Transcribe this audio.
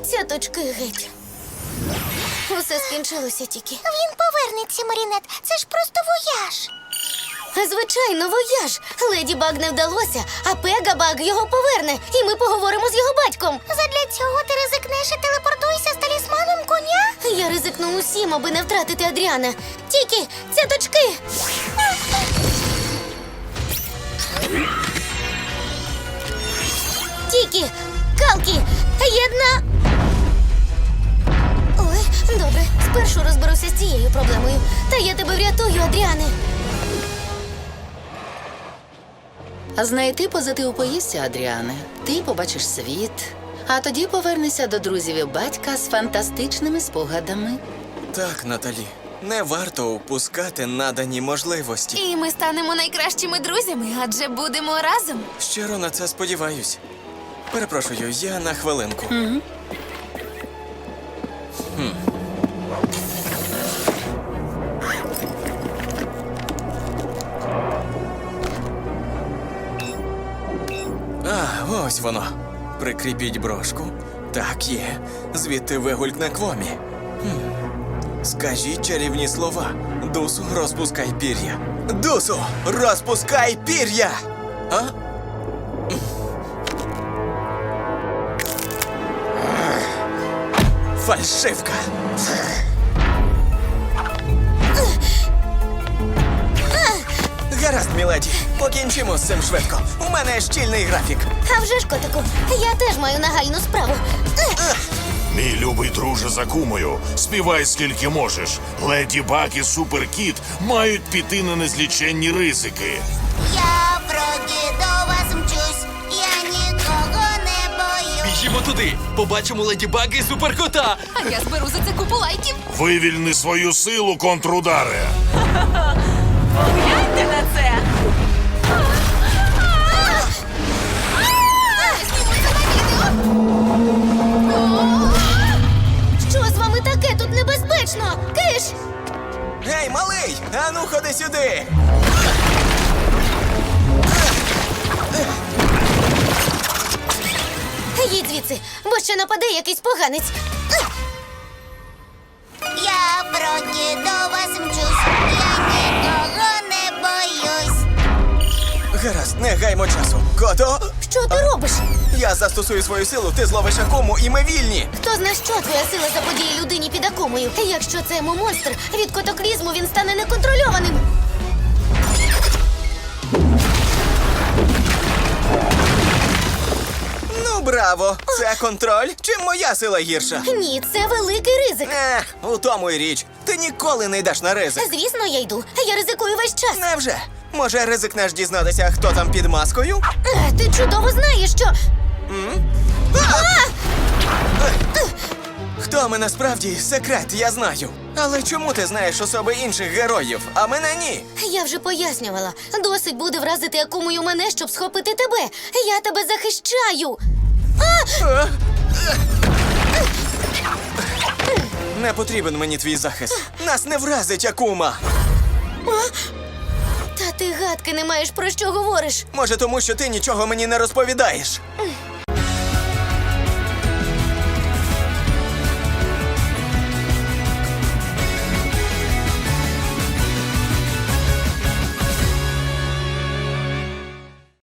Цяточки геть. Усе скінчилося тільки. Він повернеться, Марінет. Це ж просто вояж. Звичайно, вояж. Леді Баг не вдалося, а Пега Баг його поверне, і ми поговоримо з його батьком. Задля цього ти ризикнеш і телепортуйся з талісманом коня? Я ризикну усім, аби не втратити Адріана. Тільки цяточки! Тільки! Калки! Єдна! Ой, добре, спершу розберуся з цією проблемою. Та я тебе врятую, Адріане. Знайти позитив поїсться, Адріане. Ти побачиш світ, а тоді повернешся до друзів і батька з фантастичними спогадами. Так, Наталі, не варто упускати надані можливості. І ми станемо найкращими друзями, адже будемо разом. Щиро на це сподіваюсь. Перепрошую, я на хвилинку. Ось воно. Прикріпіть брошку. Так є. Звідти вигулькне Квомі. Скажіть чарівні слова. Дусу, розпускай пір'я. Дусу, розпускай пір'я! А? Фальшивка! Гаразд, міледі, покінчимо з цим швидко. У мене щільний графік. А вже ж, котику, я теж маю нагальну справу. Мій любий друже за кумою, співай скільки можеш. Леді Баг і Суперкіт мають піти на незліченні ризики. Я вроді до вас мчусь, я нікого не боюсь. Біжімо туди, побачимо Леді Баг і Суперкота. А я зберу за це купу лайків. Вивільни свою силу, контрударе. Гляньте на це! Що з вами таке? Тут небезпечно! Киш! Гей, малий! Ану, ходи сюди! Їдь звідси, бо ще нападе якийсь поганець. Я вроді до вас мчусь, я нікого не боюсь. Гаразд, не гаймо часу. Кото, Що ти робиш? я застосую свою силу, ти зловиш акому і ми вільні. Хто зна, що твоя сила заподіє людині під акумою? Якщо це монстр, від котоклізму він стане неконтрольованим. Ну, браво! Це контроль? Чим моя сила гірша? Ні, це великий ризик. У тому й річ. Ти ніколи не йдеш на ризик. Звісно, я йду. Я ризикую весь час. Невже? Може, ризикнеш дізнатися, хто там під маскою? Ти чудово знаєш, що... Хто ми насправді? Секрет, я знаю. Але чому ти знаєш особи інших героїв, а мене ні? Я вже пояснювала. Досить буде вразити акумою мене, щоб схопити тебе. Я тебе захищаю. Не потрібен мені твій захист. Нас не вразить акума. Та ти гадки не маєш, про що говориш. Може, тому що ти нічого мені не розповідаєш.